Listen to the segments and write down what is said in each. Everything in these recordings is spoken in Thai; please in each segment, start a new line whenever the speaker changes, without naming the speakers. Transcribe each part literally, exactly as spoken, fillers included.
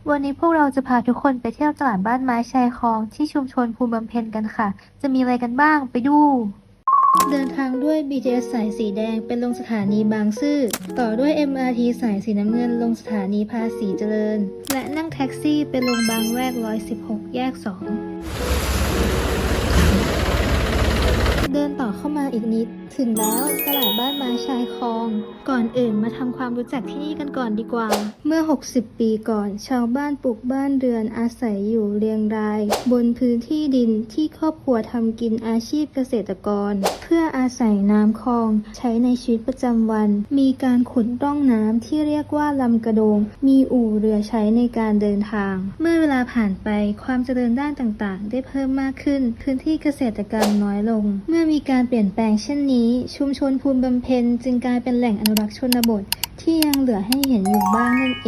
วันนี้พวกเราจะพาทุกคนไปเที่ยวตลาดบ้านไม้ชายคลองที่ชุมชนภูบำเพ็ญกันค่ะ จะมีอะไรกันบ้างไปดู เดินทางด้วย บี ที เอส สายสีแดงเป็นลงสถานีบางซื่อ ต่อด้วย เอ็ม อาร์ ที สายสีน้ำเงินลงสถานีภาษีเจริญ และนั่งแท็กซี่ไปลงบางแวกร้อยสิบหกแยกสองเดินต่อเข้ามาอีกนิดถึงแล้วตลาดบ้านไม้ชายคลอง ก่อนอื่นมาทำความรู้จักที่นี่กันก่อนดีกว่า เมื่อหกสิบปีก่อนชาวบ้านปลูกบ้านเรือนอาศัยอยู่เรียงราย บนพื้นที่ดินที่ครอบครัวทำกินอาชีพเกษตรกร เพื่ออาศัยน้ำคลองใช้ในชีวิตประจำวัน มีการขุดร่องน้ำที่เรียกว่าลำกระโดง มีอู่เรือใช้ในการเดินทาง เมื่อเวลาผ่านไปความเจริญด้านต่างๆ ได้เพิ่มมากขึ้น พื้นที่เกษตรกรรมน้อยลง เมื่อมีการเปลี่ยนแปลงเช่นนี้ ชุมชนภูมิบำเพ็ญจึงกลายเป็นแหล่งอนุรักษ์ชนบทที่ยังเหลือให้เห็นอยู่บ้างนั่นเอง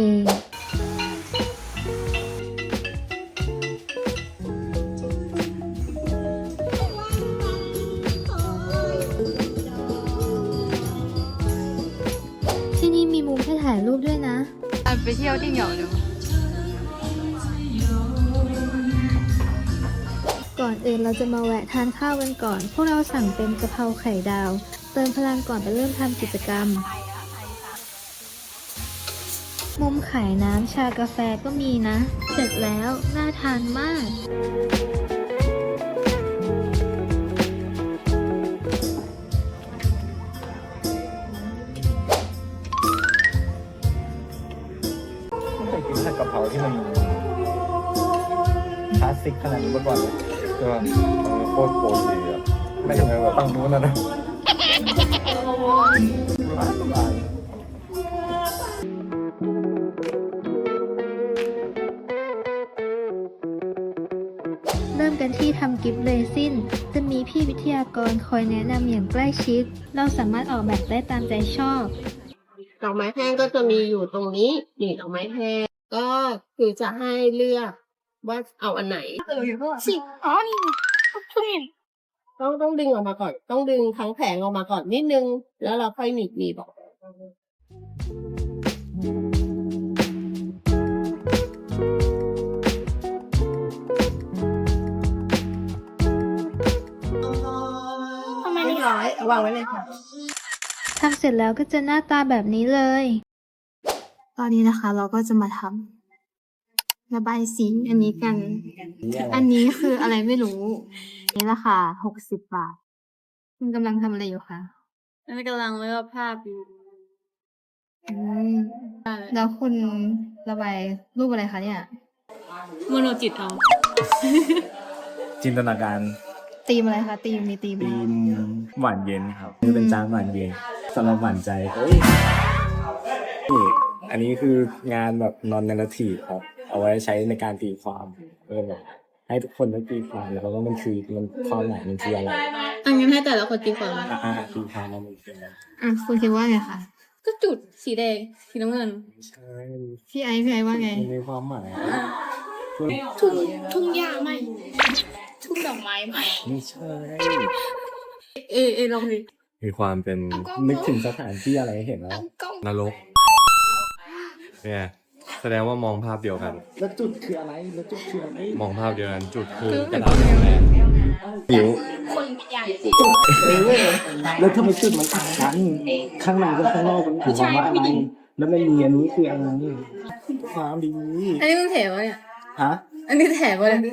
ที่นี่มีมุมให้ถ่ายรูปด้วยนะ
ไปเที่ยวที่เหงาดู
ก่อนอื่นเราจะมาแวะทานข้าวกันก่อน พวกเราสั่งเป็นกะเพราไข่ดาว เติมพลังก่อนไปเริ่มทำกิจกรรม มุมขายน้ำชากาแฟก็มีนะ เสร็จแล้วน่าทานมาก
ไม่เคยกินผัดกะเพราที่มันคลาสสิกขนาดนี้มาก่อนเลย
ก็โคตรโปรดีอ่ะ
ไม่ใช่แบบฝั่งนู้นนะนะ
เริ่มกันที่ทำกิฟต์เรซิน จะมีพี่วิทยากรคอยแนะนำอย่างใกล้ชิด เราสามารถออกแบบได้ตามใจชอบ
ดอกไม้แห้งก็จะมีอยู่ตรงนี้นี่ดอกไม้แห้งก็คือจะให้เลือกว่าเอาอันไหน
เอออยู่ข้างหลังสิอ๋อ นี่ทุเรียน
ต้องต้องดึงออกมาก่อน ต้องดึงทั้งแผงออกมาก่อนนิดนึง แล้วเราค่อยหนีบหนีบออก
ทำไม
เรี
นี่
ยบร้อยเอาวางไว้เลยค่ะ
ทำเสร็จแล้วก็จะหน้าตาแบบนี้เลย
ตอนนี้นะคะเราก็จะมาทำระบายสีอันนี้กัน อันนี้คืออะไรไม่รู้ นี่ราคาหกสิบบาท คุณกำลังทำอะไรอยู่คะ
อันนี้กำลังเลือกภาพอยู่
อืมแล้วคุณระบายรูปอะไรคะเนี่ย
โมโนจิตเอา
จินตนาการ
ตีมอะไรคะตีมมีตีมไหม
ธีมหวานเย็นครับนี่เป็นจานหวานเย็นสำหรับหวานใจเฮ้ยนี่อันนี้คืองานแบบ non narrative ครับ เอาไว้ใช้ในการตีความเออแบบให้ทุกคนได้ตีความแล้วก็มันคือมันความหมายมันคืออะไร
อันงั้นให้แต่ละคนตีก่อนเลย
อ่าตีความมันคืออะไร
อ่ะคุณคิดว่าไงคะ
ก็จุดสีแดง สีน้ำเงิน
ไม่ใช่
พี่ไอซ์พี่ไอซ์ว่าไง
มันมีความหมายช่วย
ทุ่งทุ่งหญ้าไหมทุ่งดอกไม้ไหม
ไม่ใช่
เอเอลองดิ
มีความเป็น
นึกถึงสถานที่อะไรเห็นแล้ว
นรกเนี่ยแสดงว่ามองภาพเดียวกัน
แล้วจุดคืออะไรแล้วจุดคืออะไร
มองภาพเดียวกัน จุดคือกระดาษแดง
หิว
คนใหญ่
แล้วทำไมจุดมันต่างกันข้างในกับข้างนอกมันคือความว่าอะไรแล้วไม่มีอันนี้คืออะไรความดี
อันนี้มึงแถวะเนี่ย
ฮะ
อันนี้แถวะเนี่ย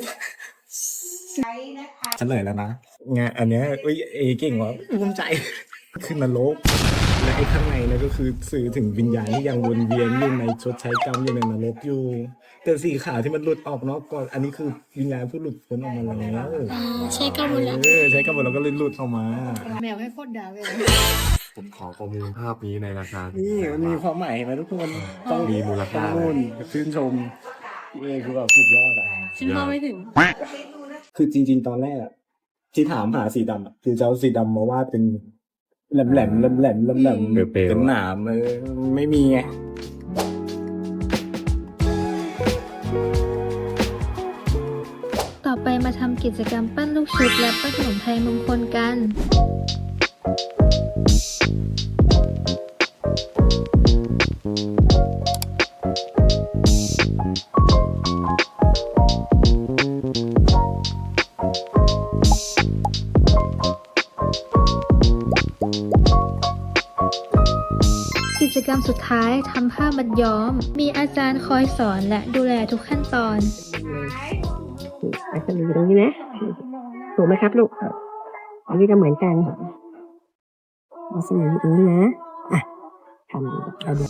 เฉลยแล้วนะงานอันเนี้ยเอ้ยเอเก่งว่ะภูมิใจคือนรกและไอ้ข้างในเนี่ยก็คือสื่อถึงวิญญาณที่ยังวนเวียนอยู่ในชดใช้กรรมอยู่ในนรกอยู่ แต่สีขาวที่มันหลุดออกนอกก่อนอันนี้คือวิญญาณผู้หลุดพ้นออกมาแล้ว
ใช้กำมือแล้ว
เออใช้กรรมแล้วก็เลยหลุดออกมา
แมวให้โคตรดาวเลย
ๆผมขอประมูลภาพนี้ในราคา
นี่มันมีความหมายเห็นไหมทุกคนต้อง
มีมูลค่า
ต้องนู่นชื่นชมเอคือแบบสุดยอดอ่ะ
ฉันมองไม่ถึง
คือจริง ๆ ตอนแรกอะที่ถามหาสีดำอะคือจะเอาสีดำมาวาดเป็นแหลมแหลมแหลมแหลมแหลมแหลมเป็นหนามเออไม่มีไง
ต่อไปมาทำกิจกรรมปั้นลูกชุบและปั้นขนมไทยมงคลกัน
เ
รมสุดท้ายทำผ้ามัดย้อม มีอาจารย์คอยสอนและดูแลทุกขั้นตอน
อาจารย์อยู่ตรงนี้นะถูกไหมครับลูกอันนี้ก็เหมือนกันอาจารย์อยู่ตรงนี้นะอ่ะทำดูเอาดู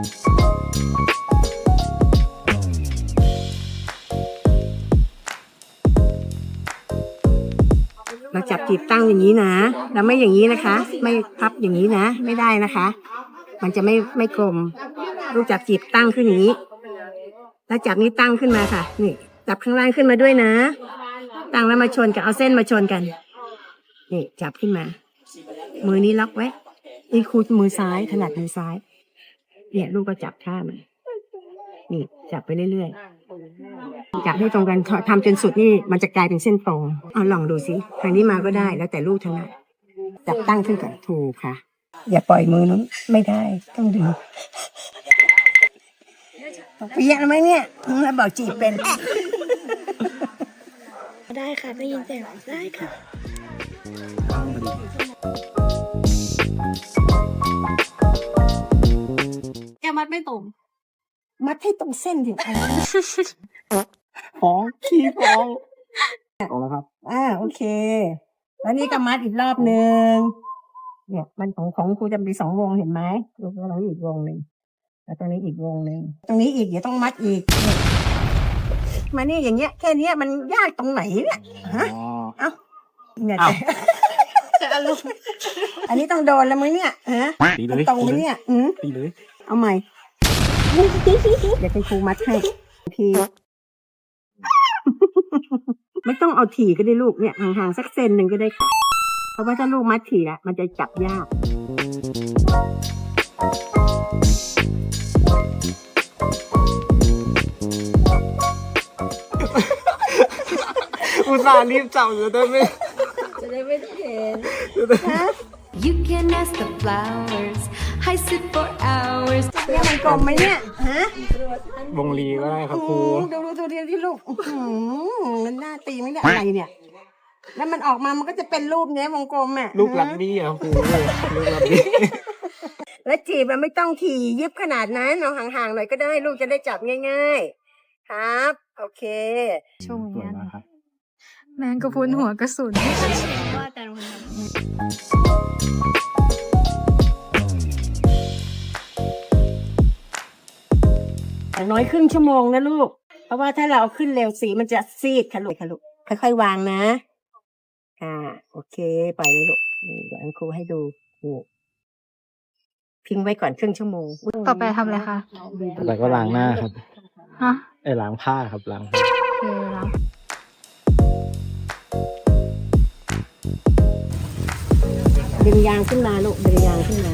เราจับจีบตั้งอย่างนี้นะแล้วไม่อย่างนี้นะคะ ไม่พับอย่างนี้นะ ไม่ได้นะคะ มันจะไม่ไม่กลมลูกจับจีบตั้งขึ้นอย่างนี้ แล้วจับนี้ตั้งขึ้นมาค่ะ นี่จับข้างล่างขึ้นมาด้วยนะ ตั้งแล้วมาชนกันเอาเส้นมาชนกัน นี่จับขึ้นมา มือนี้ล็อกไว้นี่ครูมือซ้ายถนัดมือซ้าย เนี่ยลูกก็จับท่ามันนี่จับไปเรื่อยๆจับให้ตรงกันทำจนสุดนี่มันจะกลายเป็นเส้นตรงเอาลองดูสิทางนี้มาก็ได้แล้วแต่ลูกถนัดจับตั้งขึ้นก่อนถูกค่ะ อย่าปล่อยมือนู้นไม่ได้ต้องดึงเปียกไหมเนี่ยแล้วบอกจีบเป็น
ได้ค่ะได้ยินเสียงได้ค่ะ แกมัดไม่ตรง
มัดให้ตรงเส้นถึงฟ้องขี้ฟ้องออกแล้วครับอ่าโอเค แล้วนี่ก็มัดอีกรอบหนึ่งเนี่ยมันของของครูจะมีสองวงเห็นไหมลูกเราอีกวงหนึ่งแล้วตรงนี้อีกวงหนึ่งตรงนี้อีกเดี๋ยวต้องมัดอีกเนี่ยมาเนี่ยอย่างเงี้ยแค่เนี้ยมันยากตรงไหนเนี่ยฮะเอ้าเนี่ยแต่อันนี้ต้องโดนแล้วมั้งเนี่ยฮะ
ตีเลย
ตรงไหมเนี่ยอืม
ตีเลย
เอาใหม่ เดี๋ยวคุณครูมัดให้ทีไม่ต้องเอาถี่ก็ได้ลูกเนี่ยห่างๆสักเซนหนึ่งก็ได้ค่ะเพราะว่าถ้าลูกมัดถี่ละมันจะจับยาก
อุตส่าห์รีบจับอยู่ได้ไหม
จะได้ไม่เห็น
You can ask the flowers. I sit for hours.
เนี่ยมันกลมไหมเนี่ยฮะ
วงลีก็ได้ครับครู
อืมดูดูดูเรียนที่ลูกอื้อหือมันหน้าตีไหมเนี่ยอะไรเนี่ย แล้วมันออกมามันก็จะเป็นรูปเนี้ยวงกลมอ่ะ
ลูกลักบี้อ่ะครูลูกลักบี้
แล้วจีบมันไม่ต้องถี่ยิบขนาดนั้นเอาห่างๆหน่อยก็ได้ลูกจะได้จับง่ายๆครับ โอเค
ช่วง
สวย
นี้
มากครับ
แมงกะพรุนหัวกระสุน
ว่าแต่ละคนท
อย่างน้อยครึ่งชั่วโมงนะลูก เพราะว่าถ้าเราเอาขึ้นเร็วสีมันจะซีดค่ะลูกค่ะลูก ค่อยๆวางนะ อ่า โอเค ปล่อยเลยลูกนี่เดี๋ยวอันครูให้ดูนี่ทิ้งไว้ก่อนครึ่งชั่วโมง
ต่อไปทำอะไรคะ
แต่ก็ล้างหน้าครับ
ฮะ
ไอ้ล้างผ้าครับล้างผ้า
โอเคแล้ว
ดึงยางขึ้นมาลูกดึงยางขึ้นมา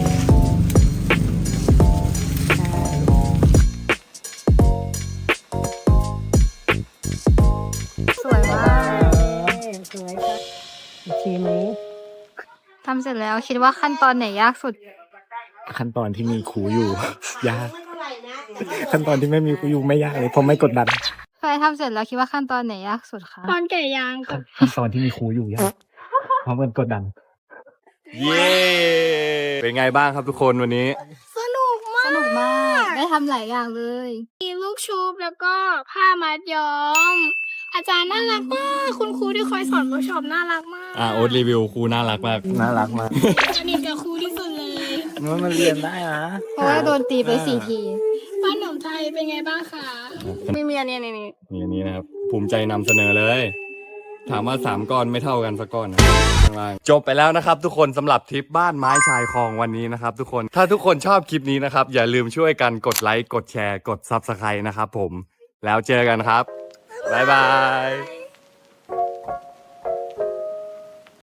ใช่
สวยมาก
สวยครับโอเคไหม
ทำเสร็จแล้วคิดว่าขั้นตอนไหนยากสุด
ขั้นตอนที่มีครูอยู่ ยาก ขั้นตอนที่ไม่มีครูอยู่ไม่ยากเลยเพราะไม่กดดัน
ใครทำเสร็จแล้วคิดว่าขั้นตอนไหนยากสุดคะ
ำตอนแก่ยางกับ
ขั้นตอนที่มีครูอยู่ยากเพราะมันกดดัน
เย้ เป็นไงบ้างครับทุกคนวันนี้
สนุกมา
ส
ก
นุกมาก ได้ทำหลายอย่างเลย
มีลูกชุบแล้วก็ผ้ามัดย้อม อาจารย์น่ารักมาก คุณครูที่คอยสอนเวิร์กช็อปน่ารักมาก
อ่าโอ๊ตรีวิวครูน่ารักมาก
น่ารักมาก
สนิทกับครูที่สุดเลย
มันมันเรียนได้นะ
เพราะว่าโดนตีไปสี่ที
บ้านหนมไทยเป็นไงบ้างคะไม่มีอันนี้นี่นี่
นี่อันนี้นะครับ ภูมิใจนำเสนอเลย ถามว่าสามก้อนไม่เท่ากันสักก้อนนะข้างล่างจบไปแล้วนะครับทุกคนสำหรับทริปบ้านไม้ชายคลองวันนี้นะครับทุกคนถ้าทุกคนชอบคลิปนี้นะครับอย่าลืมช่วยกันกดไลค์กดแชร์กด ซับสไครบ์ นะครับผมแล้วเจอกันครับบ๊ายบาย